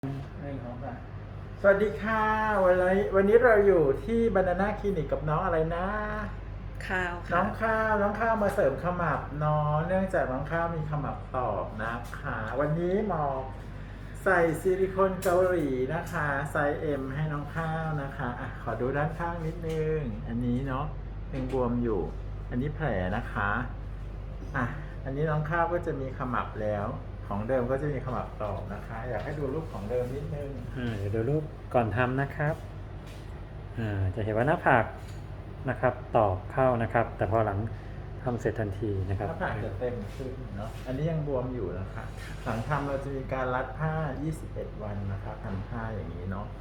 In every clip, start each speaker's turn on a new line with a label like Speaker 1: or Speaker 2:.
Speaker 1: สวัสดีค่ะวันนี้เราอยู่ที่บานาน่าคลินิกกับน้องอะไรนะ
Speaker 2: ข้าว
Speaker 1: น้อ
Speaker 2: ค่ะ
Speaker 1: งข้าวมาเสริมขมับเนาะเนื่องจากน้องข้าวมีขมับตอบนะคะวันนี้หมอใส่ซิลิโคนเกาหลีนะคะไซส์ M ให้น้องข้าวนะคะขอดูด้านข้างนิดนึงอันนี้เนาะยังบวมอยู่อันนี้แผลนะคะอันนี้น้องข้าวก็จะมีขมับแล้วของเดิมก็จะมีขมับตอบนะคะอยากให้ดูรูปของเดิมนิดนึง
Speaker 3: เดี๋ยวดูรูปก่อนทำนะครับจะเห็นว่าหน้าผากนะครับตอบเข้านะครับแต่พอหลังทำเสร็จทันทีนะครับ
Speaker 1: หน้าผากจะเต็มขึ้นเนาะอันนี้ยังบวมอยู่นะคะหลังทำเราจะมีการรัดผ้า21 วันนะคะทำผ้าอย่างนี้เนาะ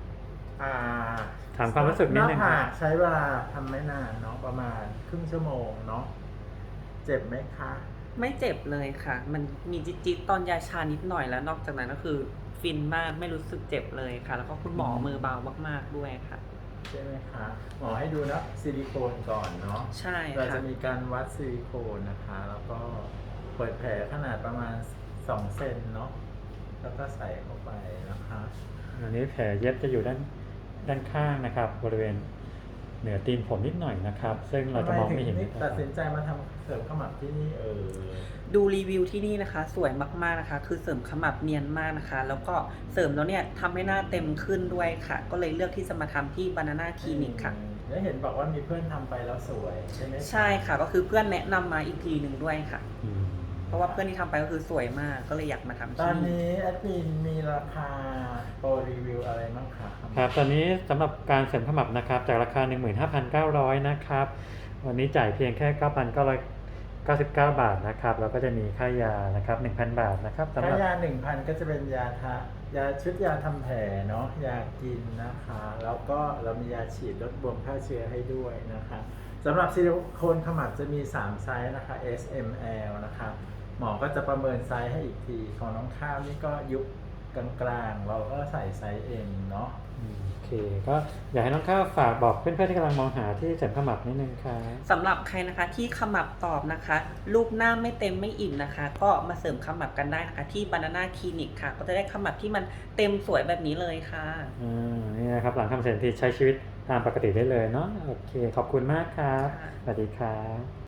Speaker 3: ถามความรู้สึกนิดนึง
Speaker 1: หน้าผา
Speaker 3: ครับ
Speaker 1: กใช้เวลาทำไม่นานเนาะประมาณครึ่งชั่วโมงเนาะเจ็บไหมคะ
Speaker 2: ไม่เจ็บเลยค่ะ มันมีจิ๊ดๆตอนยาชานิดหน่อยแล้วนอกจากนั้นก็คือฟินมากไม่รู้สึกเจ็บเลยค่ะ แล้วก็คุณหมอมือเบามากๆด้วยค่ะ
Speaker 1: ใช่ไหมคะหมอให้ดูนะซิลิโคนก่อนเนาะ
Speaker 2: ใช่ค่ะ
Speaker 1: เราจะมีการวัดซิลิโคนนะคะแล้วก็เปิดแผลขนาดประมาณ2 เซนเนาะแล้วก็ใส่เข้าไปนะคะ
Speaker 3: อันนี้แผลเย็บจะอยู่ด้านข้างนะครับ บริเวณเหนือตีนผมนิดหน่อยนะครับ ซึ่งเราจะมองไม่เห็น
Speaker 1: ตัดสินใจมาทำเสริมขมับที่นี่
Speaker 2: ดูรีวิวที่นี่นะคะ สวยมากๆนะคะ คือเสริมขมับเนียนมากนะคะ แล้วก็เสริมแล้วเนี่ยทำให้หน้าเต็มขึ้นด้วยค่ะ ก็เลยเลือกที่จะมาทำที่ Banana Clinic ค่ะ
Speaker 1: แล้วเห็นบอกว่ามีเพื่อนทำไปแล้วสวยใช่ไหม
Speaker 2: ใช่ค่ะ ก็คือเพื่อนแนะนำมาอีกทีหนึ่งด้วยค่ะ
Speaker 3: อืม
Speaker 2: เพราะว่าเพื่อนที่ทำไปก็คือสวยมาก ก็เลยอยากมาทำ
Speaker 1: ตอน
Speaker 2: ที่นี่
Speaker 1: นี้แอดมินมีราคาโปรรีวิวอะไรบ้างคะ
Speaker 3: ครับตอนนี้สำหรับการเสริมขมับนะครับจากราคา 15,900 นะครับวันนี้จ่ายเพียงแค่ 9,999 บาทนะครับแล้วก็จะมีค่ายานะครับ 1,000 บาทนะครับสำห
Speaker 1: ถ้า
Speaker 3: รับ
Speaker 1: ยา 1,000 ก็จะเป็นยาชุดยาทำแผลเนาะยากินนะคะแล้วก็เรามียาฉีดลดบวมฆ่าเชื้อให้ด้วยนะคะสำหรับซิลิโคนขมับจะมี3ไซส์นะคะ S M L นะคะหมอก็จะประเมินไซส์ให้อีกทีของน้องข้าวนี่ก็ยุบกลางๆเราก็ใส่ไซส์ M เนาะ
Speaker 3: โอเคก็อยากให้น้องข้าวฝากบอกเพื่อนๆที่กำลังมองหาที่เสริมขมับนิดนึงครับ
Speaker 2: สำหรับใครนะคะที่ขมับตอบนะคะรูปหน้าไม่เต็มไม่อิ่มนะคะ ก็มาเสริมขมับกันได้นะคะที่ Banana Clinic ค่ะ ก็จะได้ขมับที่มันเต็มสวยแบบนี้เลยค่ะ
Speaker 3: นี่นะครับหลังทำเสร็จที่ใช้ชีวิตตามปกติได้เลยเนาะโอเคขอบคุณมากครับ
Speaker 2: ค่ะ
Speaker 3: สวัสดีครับ